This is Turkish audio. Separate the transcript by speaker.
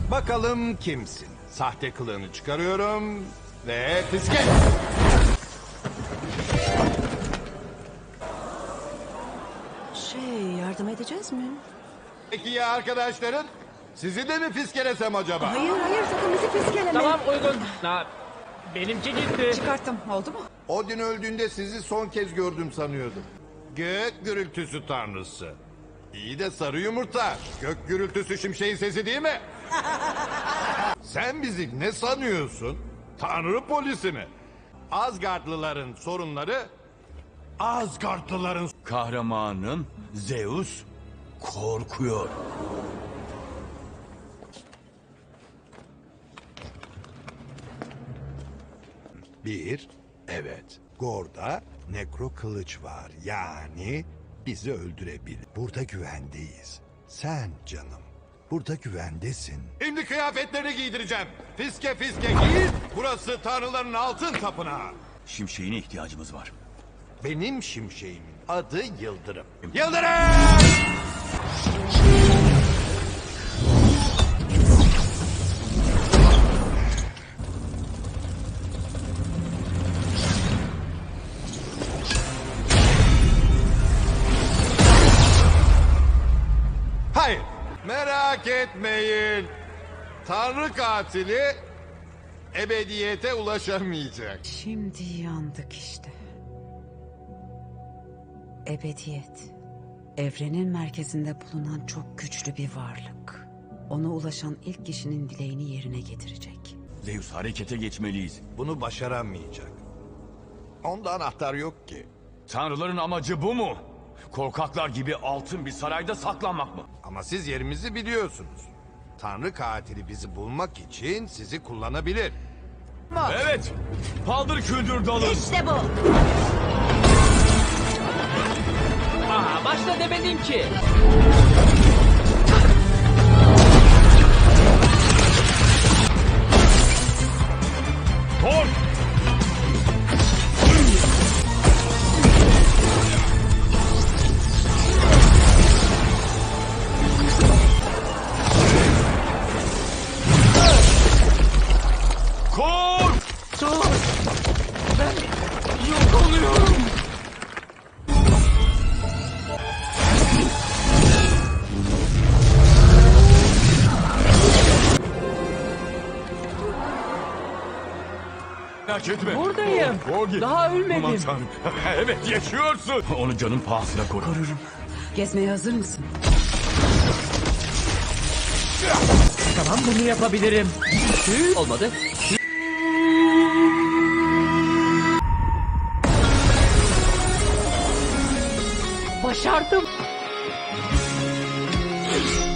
Speaker 1: Bakalım kimsin? Sahte kılığını çıkarıyorum ve fiske.
Speaker 2: Yardım edeceğiz mi?
Speaker 1: Peki ya arkadaşların? Sizi de mi fiskelesem acaba?
Speaker 2: Hayır sakın bizi fiskeleme.
Speaker 3: Tamam uygun. Benimki gitti.
Speaker 2: Çıkarttım, oldu mu?
Speaker 1: Odin öldüğünde sizi son kez gördüm sanıyordum. Gök gürültüsü tanrısı. İyi de sarı yumurta. Gök gürültüsü şimşeğin sesi değil mi? Sen bizi ne sanıyorsun? Tanrı polisi mi? Asgardlıların sorunları... Asgardlıların...
Speaker 4: Kahramanın Zeus korkuyor.
Speaker 1: Bir, evet. Gor'da nekro kılıç var. Yani bizi öldürebilir. Burada güvendeyiz. Sen canım, burada güvendesin. Şimdi kıyafetlerini giydireceğim. Fiske fiske giy. Burası tanrıların altın tapınağı.
Speaker 4: Şimşeğine ihtiyacımız var.
Speaker 1: Benim şimşeğimin adı Yıldırım. Yıldırım! Hayır, merak etmeyin. Tanrı katili ebediyete ulaşamayacak.
Speaker 2: Şimdi yandık işte. Ebediyet. Evrenin merkezinde bulunan çok güçlü bir varlık. Ona ulaşan ilk kişinin dileğini yerine getirecek.
Speaker 4: Zeus harekete geçmeliyiz.
Speaker 1: Bunu başaramayacak. Onda anahtar yok ki.
Speaker 4: Tanrıların amacı bu mu? Korkaklar gibi altın bir sarayda saklanmak mı?
Speaker 1: Ama siz yerimizi biliyorsunuz. Tanrı katili bizi bulmak için sizi kullanabilir.
Speaker 4: Evet. Paldır küldür dalın.
Speaker 2: İşte bu.
Speaker 3: Başla demedim ki.
Speaker 4: Thor! Kor!
Speaker 3: Ben yok oluyorum.
Speaker 4: Merak etme.
Speaker 3: Buradayım.
Speaker 4: Korgi.
Speaker 3: Daha ölmedim.
Speaker 4: Aman tanrım. Evet yaşıyorsun. Onu canın pahasına koru.
Speaker 2: Korurum. Gezmeye hazır mısın?
Speaker 3: Tamam bunu yapabilirim. Olmadı. Başardım.